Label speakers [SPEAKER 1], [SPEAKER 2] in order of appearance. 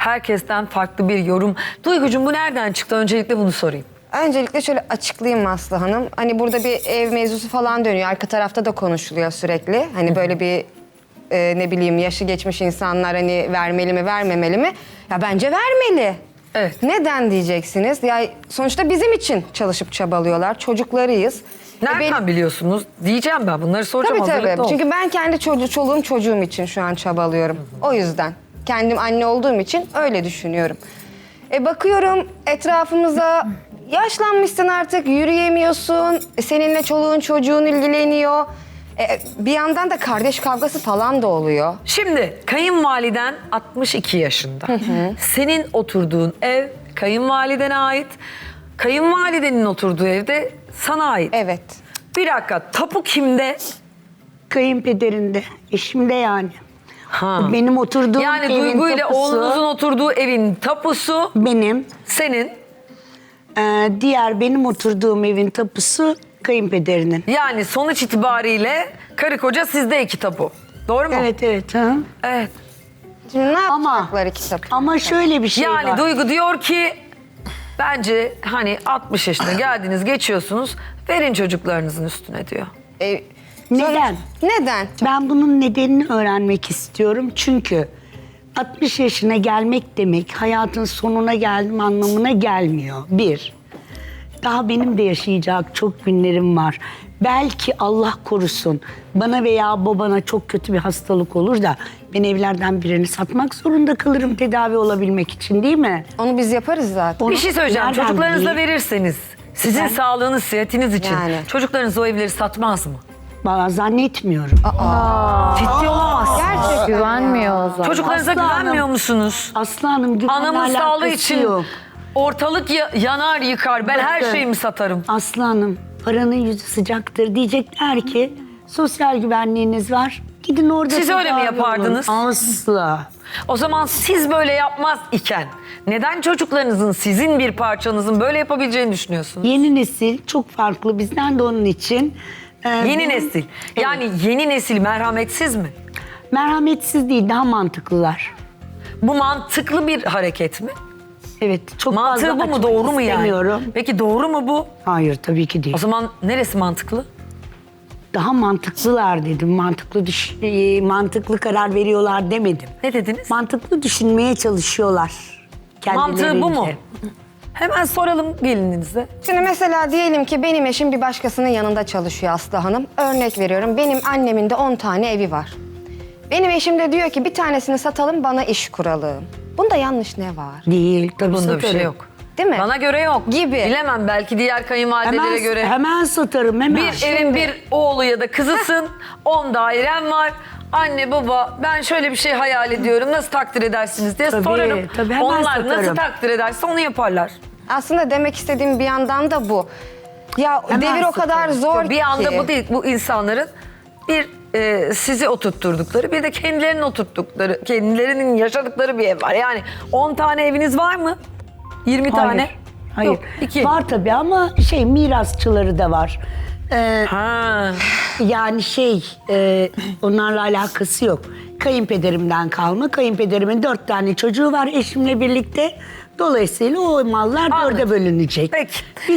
[SPEAKER 1] herkesten farklı bir yorum. Duygucuğum bu nereden çıktı? Öncelikle bunu sorayım.
[SPEAKER 2] Öncelikle şöyle açıklayayım Aslı Hanım. Hani burada bir ev mevzusu falan dönüyor. Arka tarafta da konuşuluyor sürekli. Hani böyle bir ne bileyim yaşı geçmiş insanlar hani vermeli mi vermemeli mi? Ya bence vermeli.
[SPEAKER 1] Evet.
[SPEAKER 2] Neden diyeceksiniz? Ya sonuçta bizim için çalışıp çabalıyorlar. Çocuklarıyız.
[SPEAKER 1] Nereden biliyorsunuz? Diyeceğim ben bunları soracağım.
[SPEAKER 2] Tabii
[SPEAKER 1] hazırlıklı ol.
[SPEAKER 2] Çünkü ben kendi çoluğum çocuğum için şu an çabalıyorum. O yüzden. Kendim anne olduğum için öyle düşünüyorum. Bakıyorum etrafımıza yaşlanmışsın artık yürüyemiyorsun. Seninle çoluğun çocuğun ilgileniyor. Bir yandan da kardeş kavgası falan da oluyor.
[SPEAKER 1] Şimdi kayınvaliden 62 yaşında. Senin oturduğun ev kayınvalidene ait. Kayınvalidenin oturduğu evde sana ait.
[SPEAKER 2] Evet.
[SPEAKER 1] Bir dakika, tapu kimde?
[SPEAKER 3] Kayınpederinde, eşimde yani.
[SPEAKER 1] Ha.
[SPEAKER 3] O benim oturduğum
[SPEAKER 1] Yani
[SPEAKER 3] evin
[SPEAKER 1] Duygu ile
[SPEAKER 3] tapusu
[SPEAKER 1] oğlunuzun oturduğu evin tapusu
[SPEAKER 3] benim.
[SPEAKER 1] senin.
[SPEAKER 3] Diğer benim oturduğum evin tapusu kayınpederinin.
[SPEAKER 1] Yani sonuç itibariyle karı koca sizde iki tapu. Doğru mu?
[SPEAKER 3] Evet evet. Hı.
[SPEAKER 1] Evet.
[SPEAKER 2] Şimdi ne
[SPEAKER 3] Ama
[SPEAKER 2] yapacaklar kitap?
[SPEAKER 3] ama şöyle bir şey
[SPEAKER 1] Yani
[SPEAKER 3] var.
[SPEAKER 1] Duygu diyor ki bence hani 60 yaşına geldiniz geçiyorsunuz verin çocuklarınızın üstüne diyor.
[SPEAKER 3] Neden?
[SPEAKER 2] Neden?
[SPEAKER 3] Ben bunun nedenini öğrenmek istiyorum. Çünkü 60 yaşına gelmek demek hayatın sonuna geldim anlamına gelmiyor. Bir, daha benim de yaşayacak çok günlerim var. Belki Allah korusun bana veya babana çok kötü bir hastalık olur da ben evlerden birini satmak zorunda kalırım tedavi olabilmek için değil mi?
[SPEAKER 2] Onu biz yaparız zaten.
[SPEAKER 1] Bir şey söyleyeceğim.
[SPEAKER 3] Nereden
[SPEAKER 1] Çocuklarınıza
[SPEAKER 3] bileyim?
[SPEAKER 1] verirseniz sizin
[SPEAKER 3] Ben-
[SPEAKER 1] sağlığınız, sıhhatiniz için
[SPEAKER 2] Yani.
[SPEAKER 1] çocuklarınız o evleri satmaz mı?
[SPEAKER 3] Bana zannetmiyorum.
[SPEAKER 1] Ciddi olamaz.
[SPEAKER 2] Gerçekten.
[SPEAKER 4] Güvenmiyor o zaman.
[SPEAKER 1] Çocuklarınıza
[SPEAKER 3] Aslı Hanım.
[SPEAKER 1] güvenmiyor musunuz?
[SPEAKER 3] Aslı Hanım güvenle
[SPEAKER 1] Anamın sağlığı
[SPEAKER 3] alakası
[SPEAKER 1] için
[SPEAKER 3] yok.
[SPEAKER 1] ortalık yanar yıkar. Ben her
[SPEAKER 3] Bakın.
[SPEAKER 1] şeyimi satarım.
[SPEAKER 3] Aslı Hanım, paranın yüzü sıcaktır. Diyecekler ki sosyal güvenliğiniz var. Gidin orada
[SPEAKER 1] Siz öyle mi
[SPEAKER 3] tedavi olun.
[SPEAKER 1] yapardınız?
[SPEAKER 3] Asla.
[SPEAKER 1] O zaman siz böyle yapmaz iken neden çocuklarınızın, sizin bir parçanızın böyle yapabileceğini düşünüyorsunuz?
[SPEAKER 3] Yeni nesil çok farklı bizden de onun için.
[SPEAKER 1] Yeni
[SPEAKER 3] bu-
[SPEAKER 1] nesil. Yani yeni nesil merhametsiz mi?
[SPEAKER 3] Merhametsiz değil, daha mantıklılar.
[SPEAKER 1] Bu mantıklı bir hareket mi?
[SPEAKER 3] Evet, çok
[SPEAKER 1] Mantığı
[SPEAKER 3] fazla
[SPEAKER 1] bu mu?
[SPEAKER 3] açmak
[SPEAKER 1] Doğru mu yani?
[SPEAKER 3] istemiyorum.
[SPEAKER 1] Peki doğru mu bu?
[SPEAKER 3] Hayır, tabii ki değil.
[SPEAKER 1] O zaman neresi mantıklı?
[SPEAKER 3] Daha mantıklılar dedim. Mantıklı karar veriyorlar demedim.
[SPEAKER 1] Ne dediniz?
[SPEAKER 3] Mantıklı düşünmeye çalışıyorlar.
[SPEAKER 1] Mantığı bu mu?
[SPEAKER 3] kendilerince.
[SPEAKER 1] Hemen soralım gelininize.
[SPEAKER 2] Şimdi mesela diyelim ki benim eşim bir başkasının yanında çalışıyor Aslı Hanım. Örnek veriyorum benim annemin de 10 tane evi var. Benim eşim de diyor ki bir tanesini satalım bana iş kuralım. Bunda yanlış ne var?
[SPEAKER 3] Değil, tabii
[SPEAKER 1] Bunda bir şey
[SPEAKER 3] satarım.
[SPEAKER 1] yok.
[SPEAKER 2] Değil mi?
[SPEAKER 1] Bana göre yok.
[SPEAKER 2] Gibi.
[SPEAKER 1] Bilemem belki diğer kayınvalidelere göre.
[SPEAKER 3] Hemen satarım, hemen.
[SPEAKER 1] Bir evin bir oğlu ya da kızısın, 10 dairem var. Anne baba ben şöyle bir şey hayal ediyorum nasıl takdir edersiniz diye
[SPEAKER 3] Tabii,
[SPEAKER 1] sorarım.
[SPEAKER 3] tabii, hemen
[SPEAKER 1] Onlar nasıl
[SPEAKER 3] satarım.
[SPEAKER 1] takdir ederse onu yaparlar.
[SPEAKER 2] Aslında demek istediğim bir yandan da bu. Ya
[SPEAKER 3] Hemen
[SPEAKER 2] devir o kadar
[SPEAKER 3] satarım.
[SPEAKER 2] zor
[SPEAKER 1] Bir anda
[SPEAKER 2] ki.
[SPEAKER 1] bu değil, bu insanların bir sizi oturtturdukları bir de kendilerinin oturttukları, kendilerinin yaşadıkları bir ev var. Yani 10 tane eviniz var mı? 20 tane?
[SPEAKER 3] Hayır.
[SPEAKER 1] Yok, 2.
[SPEAKER 3] Var tabii ama mirasçıları da var.
[SPEAKER 1] Ha.
[SPEAKER 3] Yani onlarla alakası yok. Kayınpederimden kalma. Kayınpederimin 4 tane çocuğu var eşimle birlikte. Dolayısıyla o mallar
[SPEAKER 1] Anladım.
[SPEAKER 3] 4'e bölünecek.
[SPEAKER 1] Peki.